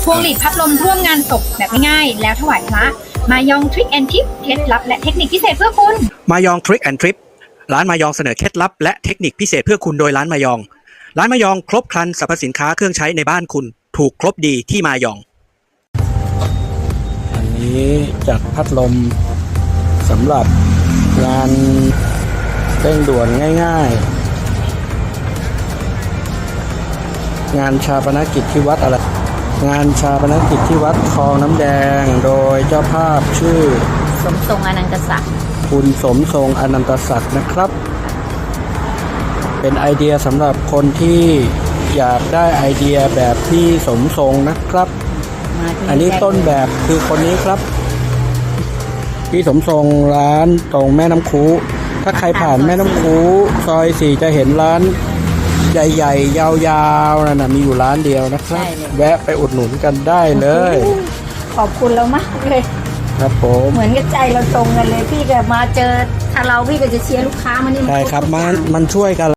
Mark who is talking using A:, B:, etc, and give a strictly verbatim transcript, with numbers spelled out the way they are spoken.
A: พวงหลีดพัดลมร่วมงานศพแบบง่ายๆแล้วถวายพระมายองทริคแอนทิปเคล็ดลับและเทคนิคพิเศษเพื่อคุณ
B: มายองทริคแอนทริปร้านมายองเสนอเคล็ดลับและเทคนิคพิเศษเพื่อคุณโดยร้านมายองร้านมายองครบครันสรรพสินค้าเครื่องใช้ในบ้านคุณถูกครบดีที่มายอง
C: อันนี้จัดพัดลมสำหรับงานเร่งด่วนง่ายๆงานชาปนกิจที่วัดอะไรงานชาปนกิจที่วัดคลองน้ำแดงโดยเจ้าภาพชื่อ
D: สมทรงอนันตศักดิ์
C: คุณสมทรงอนันตศักดิ์นะครับเป็นไอเดียสำหรับคนที่อยากได้ไอเดียแบบที่สมทรงนะครับอันนี้ต้นแบบคือคนนี้ครับพี่สมทรงร้านตรงแม่น้ำคูถ้าใครผ่านแม่น้ำคูซอยสี่จะเห็นร้านใหญ่ๆยาวๆนั่นนะมีอยู่ร้านเดียวนะครับแวะไปอุดหนุนกันได้เลย
D: ขอบคุณเรามากเลย
C: ครับผม
D: เหมือนกับใจเราตรงกันเลยพี่แบบมาเจอถ้าเราพี่ก็จะเชียร์ลูกค้ามานี่
C: ใช่ครับมันมันช่วยกัน